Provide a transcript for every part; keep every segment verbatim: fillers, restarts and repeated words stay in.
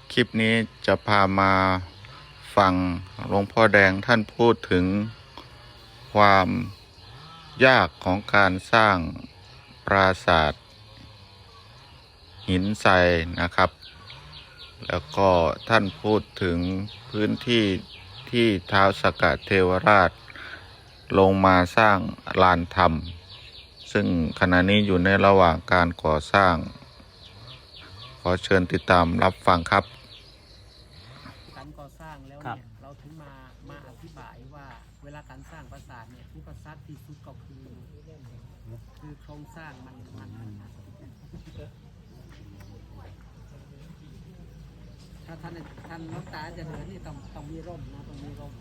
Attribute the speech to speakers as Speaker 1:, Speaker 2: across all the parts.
Speaker 1: คลิปนี้จะพามาฟังหลวงพ่อแดงท่านพูดถึงความยากของการสร้างปราสาทหินทรายนะครับแล้วก็ท่านพูดถึงพื้นที่ที่ท้าวสักกะเทวราชลงมาสร้างลานธรรมซึ่งขณะนี้อยู่ในระหว่างการก่อสร้างขอเชิญติดตามรับฟังครับ
Speaker 2: การก่อสร้างแล้วเนี่ยเราถึงมามาอธิบายว่าเวลาการสร้างปราสาทเนี่ยอุปสรรคที่สุดก็คือคือโครงสร้างมันมันถ้าท่านท่านน้องตาจะเดินนี่ต้องต้องมีร่มนะต้องมีร่ม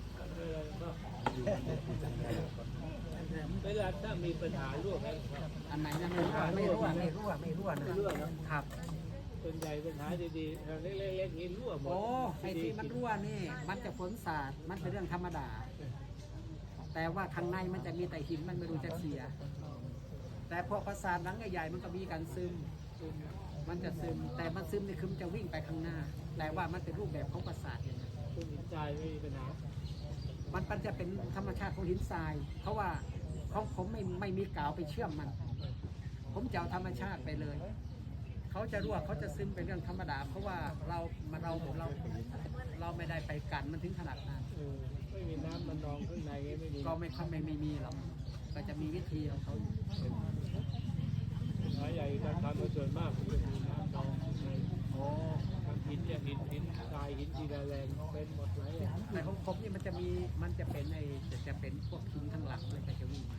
Speaker 3: เวลาถ้ามีปัญหารั่วกัน
Speaker 2: อันไหนนะไม่รั่วไม่รั่วไม่รั่วไม่รั่วนะครับ
Speaker 3: ส่วนใหญ่ปัญหาดีๆเราเล็กๆนี้รั่วหมด
Speaker 2: โอ้ไอ้ที่มันรั่วนี่มันจะฝนสาดมันเป็นเรื่องธรรมดาแต่ว่าข้างในมันจะมีแต่หินมันไม่รู้จะเสียแต่พอปราสาทหลังใหญ่ๆมันก็มีการซึมมันจะซึมแต่มันซึมนี่คือมันจะวิ่งไปข้างหน้าแต่ว่ามันเป็นรูปแบบของปราสาทอย่างนี้
Speaker 3: คุณหินทรายไม่มีปัญหา
Speaker 2: มันมันจะเป็นธรรมชาติของหินทรายเพราะว่าของผมไม่ไม่มีกาวไปเชื่อมมันผมจะเอาธรรมชาติไปเลยเขาจะรั่วเขาจะซึมเป็นเรื่องธรรมดาเพราะว่าเราเราเราเราไม่ได้ไปกันมันถึงขนาดนั้น
Speaker 3: ไม่มีน้ำมันนองข้างในไม่มี
Speaker 2: ก็ไม่ค่อยไม่ไม่มีหรอกก็จะมีวิธีของเขาอยู่
Speaker 3: ปัญหาใหญ่การทำส่วนมากจะมีน้ำนองข้างใน
Speaker 2: โอ้
Speaker 3: ทำหินเนี่ยหินหินทรายหินจีราแรงเป็นหมดหลายอย่าง
Speaker 2: แต่ของผมนี่มันจะมีมันจะเป็นไอ้จะจะเป็นพวกหินข้างหลังเลยก็จะวิ่งมา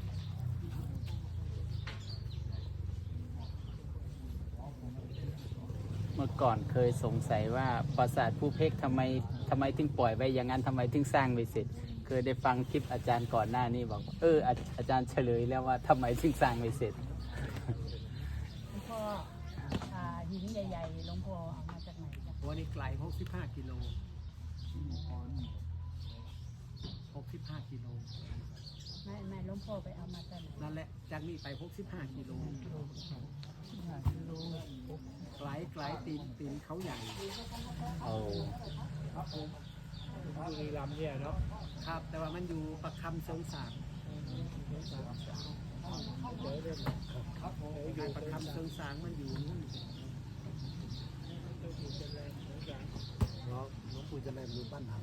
Speaker 4: เมื่อก่อนเคยสงสัยว่าปราสาทภูเพกทำไมทำไมถึงปล่อยไว้อย่างนั้นทำไมถึงสร้างไม่เสร็จเคยได้ฟังคลิปอาจารย์ก่อนหน้านี้บอกเอออาอาจารย์เฉลยแล้วว่าทำไมถึงสร้างไม่เสร็จ
Speaker 5: หลวงพ่ออ่าหินใหญ่ๆหลวงพ่อเอามาจากไหนจ๊ะ
Speaker 2: โอ้นี่ไกลหกสิบห้ากิโลหกสิบห้ากิโล
Speaker 5: ไม่ไม่หลวงพ่อไปเอามาจากไหน
Speaker 2: นั่นแหละจากนี้ไปหกสิบห้ากิโลไกลไกลตีนตีนเขาใหญ่
Speaker 4: โอ้
Speaker 3: บุรีรัมย์เนี่ยเนาะ
Speaker 2: ครับแต่ว่ามันอยู่ประคำเสริงสาง
Speaker 3: เดี๋ยวเรื่อง
Speaker 2: การประคำเสริงสางมันอยู่นู่น
Speaker 6: น้องน้องปู่จะเล่นมือปั้นทำ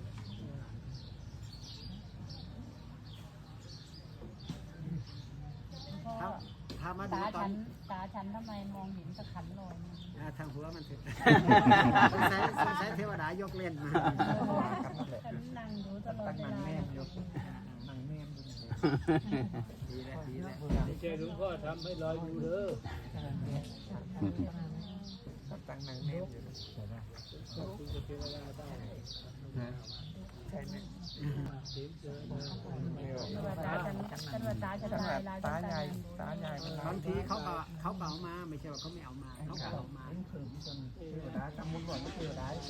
Speaker 5: หลวงพ่อ
Speaker 2: ถ้ามาดู
Speaker 5: ตา
Speaker 2: ตอ
Speaker 5: ฉั
Speaker 2: น
Speaker 5: นตาฉันทำไมมองเห็นตะขันลอยมา
Speaker 2: อ่าทางหัวมันเสร็จสงสัยสงสัยเทวดายกเล่นมา
Speaker 5: ฉันนั่งดูตลอดเวลา
Speaker 6: นั่งแนม
Speaker 2: ดีแล้วดีแล้ว
Speaker 3: ไม่ใช่หลวงพ่อทำให้ลอยอยู่เด้อ
Speaker 6: ตั้งนั่งแนมอยู่
Speaker 3: คุณจะเป็นเวลาได้
Speaker 6: ใช่ไหม
Speaker 3: เดี๋ยวเจอมา
Speaker 5: ฉันว่าตาฉันฉันว่าตาฉันตายลาย
Speaker 6: ตาใหญ่
Speaker 5: ตา
Speaker 6: ตาใหญ่มัน
Speaker 2: บางทีเขาก็เขาเป่ามาไม่ใช่ว่าเขาไม่เอามาเขาก็เอามา
Speaker 6: เทวดาจำมุนก่อนเทวดาเท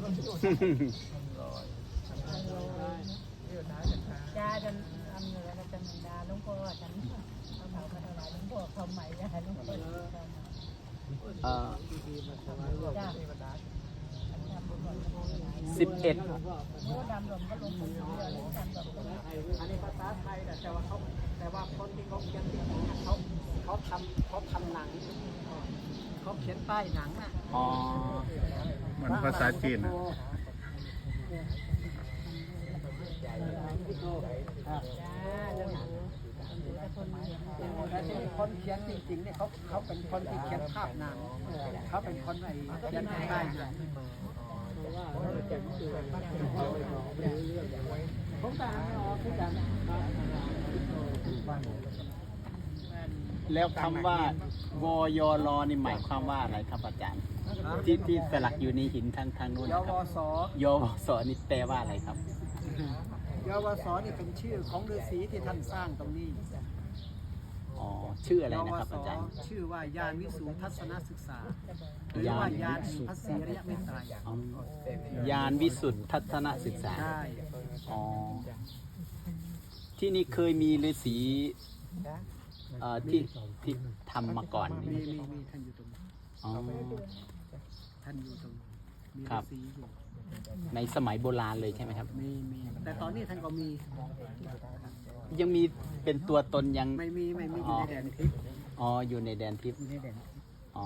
Speaker 6: วดาจะตา
Speaker 5: จ้าฉันอำเหนือแล้วจะมีดาหลวงพ่อฉันเอาเขามาถวายหลวงพ่อเขาใหม่จ้าหลวงพ่อ
Speaker 4: เอ่อ
Speaker 5: จ้า
Speaker 6: เทวดา
Speaker 4: สิบเอ็ด
Speaker 5: โอ้ดำหลวงก็ลงคนเดียวเลยดำหลวงก็ลง
Speaker 2: อันนี้ภาษาไทยแต่ว่าเขาแต่ว่าคนที่เขาเขียนติดเนี่ยเขาเขาทำเขาทำหนังเขาเขียนป้ายหนังอ่ะ
Speaker 4: อ๋อ
Speaker 1: เหมือนภาษาจีนนะ
Speaker 5: จ้าเรื่องแต่คนเห็น
Speaker 2: แต่ที่คนเขียนจริงๆเนี่ยเขาเขาเป็นคนที่เขียนภาพหนังเขาเป็นคนไอ้เขียนป้ายหนังผมตามไม่ออกคือกัน
Speaker 4: แล้วคำว่วยรนี่หมายความว่าอะไรครับอาจารย์ที่ที่สลักอยู่ในหินทางทางนู้น
Speaker 2: ย
Speaker 4: นะ
Speaker 2: ว
Speaker 4: ครับ
Speaker 2: ส
Speaker 4: ยวสนี่แปลว่าอะไรครับ
Speaker 2: ยวสนี่เป็นชื่อของฤาษีที่ท่านสร้างตรงนี้
Speaker 4: อ๋อชื่ออะไร
Speaker 2: ย
Speaker 4: นะ
Speaker 2: ว
Speaker 4: ครับ
Speaker 2: ส
Speaker 4: อาจารย์
Speaker 2: ชื่อว่ายานวิสูทัศนศึกษาหรือว่ายานแห่งพระศรีอริยเมตไตร
Speaker 4: อ๋อยานวิสุทธิทัศนศึกษา
Speaker 2: ใช่
Speaker 4: อ๋อที่นี่เคยมีฤาษีเอ่อที่ที่ทำมาก่อน
Speaker 2: มี
Speaker 4: นี่
Speaker 2: มีมีท่านอยู่ตรงนี้
Speaker 4: อ๋อ
Speaker 2: ท่านอยู่ตรงนี้มี
Speaker 4: ครั
Speaker 2: ฤา
Speaker 4: บ
Speaker 2: ษีอยู่
Speaker 4: ในสมัยโบราณเลยใช่ไหมครับ
Speaker 2: มีมีแต่ตอนนี้ท่านก็มี
Speaker 4: ยังมีเป็นตัวตนยัง
Speaker 2: ไม่มีไม่มีอยู่ในแดนทิพย์
Speaker 4: อ๋ออยู่ในแดนทิพย์
Speaker 2: อยู่ในแดน
Speaker 4: อ๋อ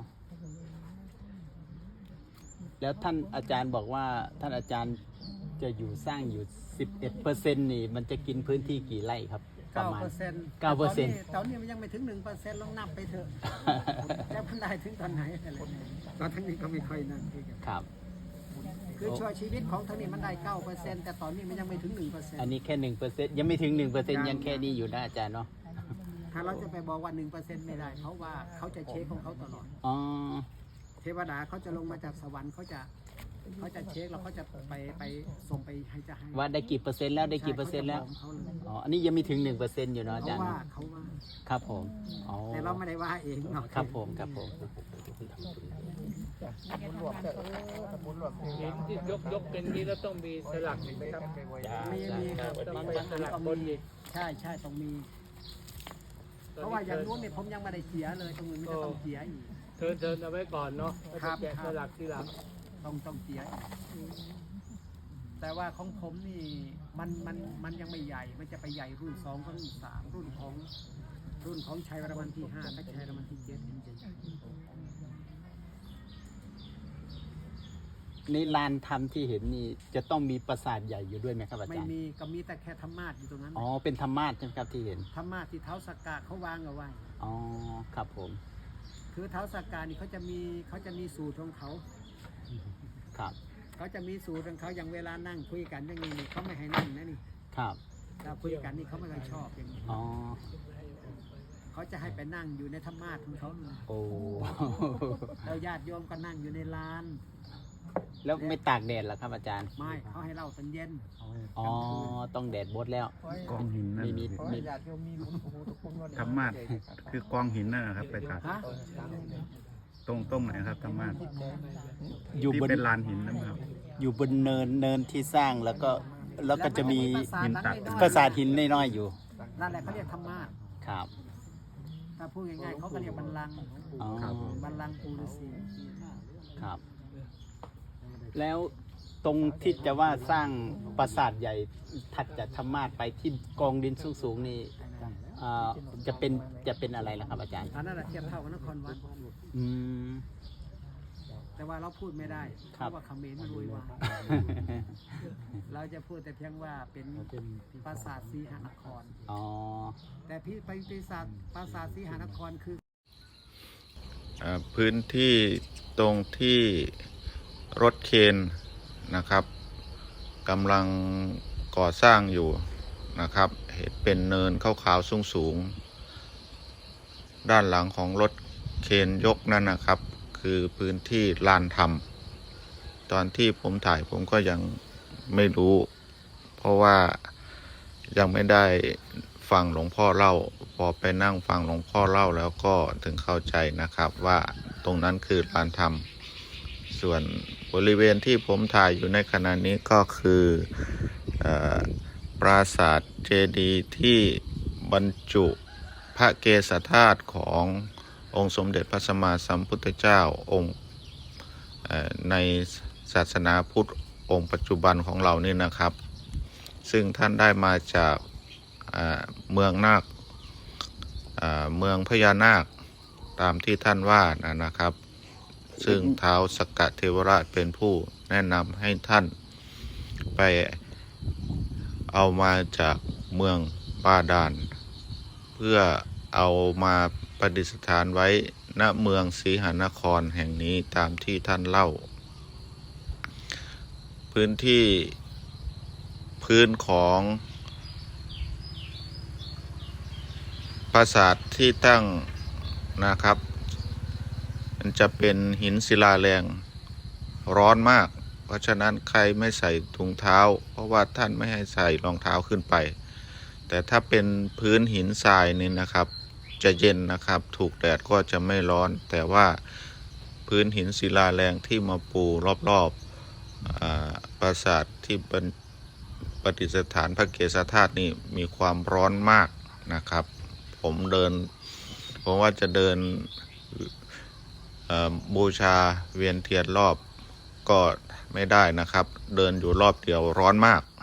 Speaker 4: แล้วท่านอาจารย์บอกว่าท่านอาจารย์จะอยู่สร้างอยู่สิบเอ็ดเปอร์เซ็นต์นี่มันจะกินพื้นที่กี่ไร่ครับ ประ
Speaker 2: เก้า
Speaker 4: มาณ
Speaker 2: เปอร์เซ็นต์
Speaker 4: เก้าเปอร์เซ็นต์
Speaker 2: ตอนนี้มันยังไม่ถึงหนึ่งเปอร์เซ็นต์ลองนับไปเถอะจะพันได้ถึงตอนไหนอะไรตอนทั้งนี้ก็ไม่ค่อยนั่นคือกัน
Speaker 4: ครับ
Speaker 2: คือช่วยชีวิตของทั้งนี้มันได้เก้าเปอร์เซ็นต์แต่ตอนนี้มันยังไม่ถึงหนึ่งเปอร์เซ็นต์
Speaker 4: อันนี้แค่หนึ่งเปอร์เซ็นต์ยังไม่ถึงหนึ่งเปอร์เซ็นต์ยังแค่นี้อยู่นะอาจารย์เนาะ
Speaker 2: ถ้าเราจะไปบอกว่าหนึ่งเปอร์เซ็นต์ไม่ได้เพราะว่าเขาจะเช็คของเขาตลอด
Speaker 4: อ๋อ
Speaker 2: เทวดาเขาจะลงมาจากสวรรค์เขาจะเขาจะเช็คแล้วเขาจะไปไปส่งไปให้จะให้
Speaker 4: ว่าได้กี่เปอร์เซ็นต์แล้วได้กี่เปอร์เซ็นต์แล้ว
Speaker 2: ใช่เขาจะบอกเขาเลย
Speaker 4: อ๋ออันนี้ยังไม่ถึงหนึ่งเปอร์เซ็นต์อยู่เนาะอา
Speaker 2: เขา
Speaker 4: จารย์
Speaker 2: ว่า
Speaker 4: เนาะ
Speaker 2: เขาว่า
Speaker 4: ครับผมอ๋อ
Speaker 2: แต่เราไม่ได้ว่าเองเนาะ
Speaker 4: ครับผมครับผม
Speaker 3: เห็นที่ยกยกเป็นนี้แล้วต้องมีสลักไหมครับ
Speaker 2: มีมีครับ
Speaker 3: ต้อง
Speaker 2: บาง
Speaker 3: มี
Speaker 2: บาง
Speaker 3: ส
Speaker 2: อัน
Speaker 3: ลัก
Speaker 2: ก็
Speaker 3: บน
Speaker 2: มี
Speaker 3: อีก
Speaker 2: ใช่ใช่ต้องมี เพราะว่าอย่างนู้นเนี่ยผมยังไม่ได้เสียเลยตรงนู้นมันจะต้องเสียอีก
Speaker 3: เทินเทินเอาไว้ก่อนเนาะแล้ว
Speaker 2: ครั
Speaker 3: จะ
Speaker 2: บ
Speaker 3: แกะสลักทีหลัง
Speaker 2: ต้องต้องเสียอีกแต่ว่าของผมนี่มันมันมันยังไม่ใหญ่ มันจะไปใหญ่รุ่นสองกับรุ่นสามรุ่นของรุ่นของชัยวรมันที่ห้าและชัยวรมันที่เจ็ดมันจะใหญ่
Speaker 4: ในลานธรรมที่เห็นนี่จะต้องมีปราสาทใหญ่อยู่ด้วยไหมครับอา
Speaker 2: ไม่
Speaker 4: จารย์
Speaker 2: มีก็มีแต่แค่ธรรมาสอยู่ตรงนั้น
Speaker 4: อ๋อเป็นธรรมาสใช่ไหมครับที่เห็น
Speaker 2: ธรรมาสที่เท้าสกกาเขาวางเอาไว้
Speaker 4: อ๋อครับผม
Speaker 2: คือเท้าสกกานี่เขาจะมีเขาจะมีสูตรของเขา
Speaker 4: ครับ
Speaker 2: เขาจะมีสูตรของเขาอย่างเวลานั่งคุยกันอย่างนี้นี่เขาไม่ให้นั่งนะนี่
Speaker 4: ครับ
Speaker 2: เราคุยกันนี่เขาไม่ค่อยชอบอย่างนี้
Speaker 4: อ๋อ
Speaker 2: เขาจะให้ไปนั่งอยู่ในธรรมาสของเขาเลย
Speaker 4: โอ้
Speaker 2: แล้วญาติโยมก็นั่งอยู่ในลาน
Speaker 4: แล้วไม่ตากแดดเหรอครับอาจารย์
Speaker 2: ไม่เขาให้เล่าตอนเย็น
Speaker 4: อ๋อต้องแดดบดแล้ว
Speaker 1: กองหินนั่น
Speaker 4: ไม่มีไม่
Speaker 1: ธรรมาสคือกองหินนั่นนะครับไปตัด
Speaker 2: ฮะ
Speaker 1: ตรงตรงไหนครับธรรมาส
Speaker 4: อยู่
Speaker 1: ที่
Speaker 4: บน
Speaker 1: เป็นลานหินนะครับ
Speaker 4: อยู่บนเนินเนินที่สร้างแล้วก็แล้วก็จะมี
Speaker 2: หินตัด
Speaker 4: ปราสาทหินน้อยๆอยู่
Speaker 2: นั่นแหละเขาเรียกธรรมาส
Speaker 4: ครับ
Speaker 2: ถ้าพูดง่ายๆเขาก็เรียกบัลลังก์
Speaker 4: อ๋อ
Speaker 2: บัลลังก์ปูฤาษี
Speaker 4: ครับ แล้วตรงที่จะว่าสร้างปราสาทใหญ่ถัดจากธรรมาสไปที่กองดินสูงๆนี่อ่าจะเป็นจะเป็นอะไรล่ะครับอาจารย์
Speaker 2: อันนั้นแหละเทียบเท่ากับนครวัด
Speaker 4: อืม
Speaker 2: แต่ว่าเราพูดไม่ได้เพ
Speaker 4: ครับ
Speaker 2: ราะว่าเขมรมันรุยวายเราจะพูดแต่เพียงว่าเป็นปราสาทสีหานคร
Speaker 4: อ๋อ
Speaker 2: แต่พี่ไปปราสาทปราสาทสีหานครคือ
Speaker 1: อ่าพื้นที่ตรงที่รถเคนนะครับกำลังก่อสร้างอยู่นะครับเห็นเป็นเนินขาวๆสูงๆด้านหลังของรถเคนยกนั่นนะครับ คือพื้นที่ลานธรรม ตอนที่ผมถ่ายผมก็ยังไม่รู้ เพราะว่ายังไม่ได้ฟังหลวงพ่อเล่า พอไปนั่งฟังหลวงพ่อเล่าแล้วก็ถึงเข้าใจนะครับว่าตรงนั้นคือลานธรรม ส่วนบริเวณที่ผมถ่ายอยู่ในขณะนี้ก็คือเออปราสาทเจดีย์ที่บรรจุพระเกศธาตุขององค์สมเด็จพระสัมมาสัมพุทธเจ้าองค์เอ่อในศาสนาพุทธองค์ปัจจุบันของเรานี่นะครับ ซึ่งท่านได้มาจากเอ่อเมืองนาคเอ่อเมืองพญานาคตามที่ท่านว่านะนะครับ ซึ่งท้าวสักกะเทวราชเป็นผู้แนะนำให้ท่านไปเอามาจากเมืองบาดาลเพื่อเอามาประดิษฐานไว้ณเมืองสีหานครแห่งนี้ตามที่ท่านเล่า พื้นที่พื้นของปราสาทที่ตั้งนะครับมันจะเป็นหินศิลาแรงร้อนมาก เพราะฉะนั้นใครไม่ใส่ถุงเท้า เพราะว่าท่านไม่ให้ใส่รองเท้าขึ้นไป แต่ถ้าเป็นพื้นหินทรายนี่นะครับจะเย็นนะครับถูกแดดก็จะไม่ร้อน แต่ว่าพื้นหินศิลาแรงที่มาปูรอบๆปราสาทที่ประดิษฐานพระเกศธาตุนี่มีความร้อนมากนะครับ ผมเดินผมว่าจะเดินบูชาเวียนเทียนรอบก็ไม่ได้นะครับ เดินอยู่รอบเดียวร้อนมาก